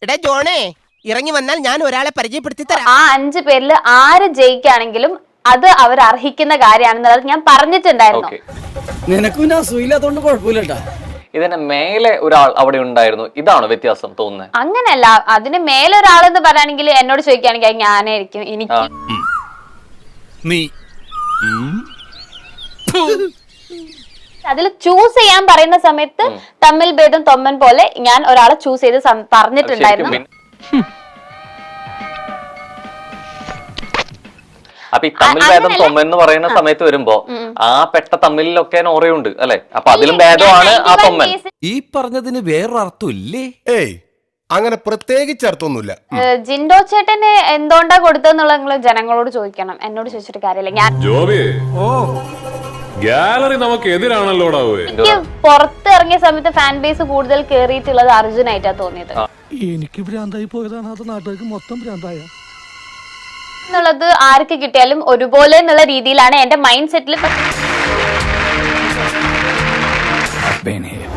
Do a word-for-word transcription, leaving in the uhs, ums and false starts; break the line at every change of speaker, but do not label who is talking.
എടാ ജോണേ, ഇറങ്ങി വന്നാൽ ഞാൻ ഒരാളെ പരിചയപ്പെടുത്തി തരാം.
ആ അഞ്ചു പേരിൽ ആര് ജയിക്കുകയാണെങ്കിലും അത് അവർ അർഹിക്കുന്ന കാര്യമാണെന്നുള്ളത് ഞാൻ പറഞ്ഞിട്ടുണ്ടായിരുന്നു.
നിനക്ക് പിന്നെ അസൂയില്ലാത്തോണ്ട് കുഴപ്പമില്ലട്ടാ.
ഇതിന് മേലെ ഒരാൾ അവിടെ ഉണ്ടായിരുന്നു, ഇതാണോ വ്യത്യാസം തോന്നുന്നത്?
അങ്ങനെയല്ല, അതിന് മേലെ ഒരാളെന്ന് പറയുകയാണെങ്കിൽ എന്നോട് ചോദിക്കുകയാണെങ്കിൽ ഞാനായിരിക്കും എനിക്ക്. അതിൽ ചൂസ് ചെയ്യാൻ പറയുന്ന സമയത്ത് തമ്മിൽ ഭേദം തൊമ്മൻ പോലെ ഞാൻ ഒരാളെ ചൂസ് ചെയ്ത് പറഞ്ഞിട്ടുണ്ടായിരുന്നു.
അപ്പൊ ഈ തമ്മിൽ ഭേദം തൊമ്മൻ എന്ന് പറയുന്ന സമയത്ത് വരുമ്പോ ആ പെട്ട തമ്മിലൊക്കെ നോറയുണ്ട് അല്ലെ? അപ്പൊ അതിലും ഭേദമാണ് ആ തൊമ്മൻ.
ഈ പറഞ്ഞതിന് വേറൊരർത്ഥം ഇല്ലേ?
ഏയ് അങ്ങനെ പ്രത്യേകിച്ച് അർത്ഥമൊന്നുമില്ല.
ജിൻഡോ ചേട്ടന് എന്തുകൊണ്ടാ കൊടുത്തെന്നുള്ള നിങ്ങൾ ജനങ്ങളോട് ചോദിക്കണം, എന്നോട് ചോദിച്ചിട്ട് കാര്യമില്ല. ഞാൻ
ഗാലറി നമുക്ക് എതിരാണല്ലോടാ.
എനിക്ക് പുറത്ത് ഇറങ്ങിയ സമയത്ത് ഫാൻ ബേസ് കൂടുതൽ കേറിയിട്ടുള്ളത് അർജുനായിട്ടാ തോന്നിയത്.
എനിക്ക് ഭ്രാന്തായി പോയതാണ്, അത് നാട്ടുകാർക്ക് മൊത്തം ഭ്രാന്തായ
എന്നുള്ളത് ആർക്ക് കിട്ടിയാലും ഒരുപോലെ എന്നുള്ള രീതിയിലാണ് എന്റെ മൈൻഡ് സെറ്റിൽ.